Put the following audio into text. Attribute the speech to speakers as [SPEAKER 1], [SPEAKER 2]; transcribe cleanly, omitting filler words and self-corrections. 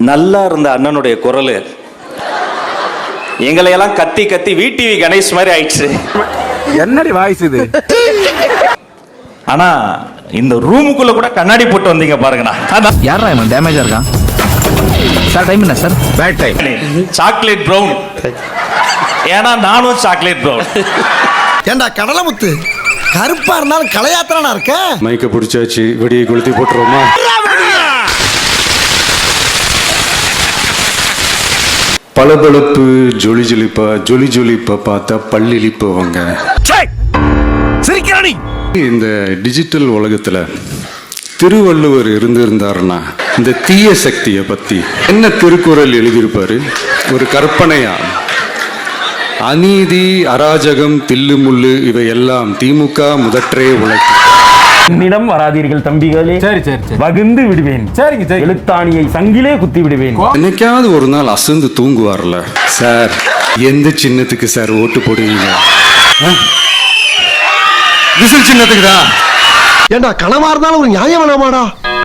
[SPEAKER 1] நல்லா இருந்த அண்ணனுடைய குரல் எங்களையெல்லாம் கத்தி கத்தி VTV கணேஷ் மாதிரி ஆயிடுச்சு.
[SPEAKER 2] என்னடி வாய்ஸ் இது?
[SPEAKER 1] ஆனா இந்த ரூமுக்குள்ள கூட கண்ணாடி போட்டு வந்தீங்க பாருங்கண்ணா.
[SPEAKER 2] யாரா இவன் டேமேஜா இருக்கான் சார்? டைம் என்ன sir? Bad time.
[SPEAKER 1] Chocolate brown. ஏன்னா நானும் சாக்லேட் ப்ரௌன்.
[SPEAKER 3] ஏண்டா கடலமுத்து, கருப்பா இருந்தாலும் கலையாத்திரனா இருக்க.
[SPEAKER 4] மைக்க பிடிச்சாச்சு, வெடியை கொளுத்தி போட்டுருவோமா? பளபளப்பு ஜொலி ஜொலிப்பா பார்த்தா பல்லிழிப்பவங்க. இந்த டிஜிட்டல் உலகத்துல திருவள்ளுவர் இருந்திருந்தாருன்னா இந்த தீய சக்தியை பத்தி என்ன திருக்குறள் எழுதியிருப்பாரு? ஒரு கற்பனையா, அநீதி, அராஜகம், தில்லுமுள்ளு இவையெல்லாம் திமுக முதற்றே உழைக்கும்.
[SPEAKER 5] என்னிடம் வராதீர்கள் தம்பிகளே.
[SPEAKER 2] சரி சரி சரி,
[SPEAKER 5] வகுந்து விடுவேன்.
[SPEAKER 2] சரிங்க சரி.
[SPEAKER 5] எழுத்தாணியை சங்கிலே குத்தி விடுவேன்.
[SPEAKER 4] என்னைக்காவது ஒரு நாள் அசந்து தூங்குவார்ல சார், எந்த சின்னத்துக்கு சார் ஓட்டு போடுவீங்க? விசில் சின்னத்துக்கு தான்.
[SPEAKER 3] ஏண்டா கனவா இருந்தாலும் ஒரு நியாயம் வேணாமாடா?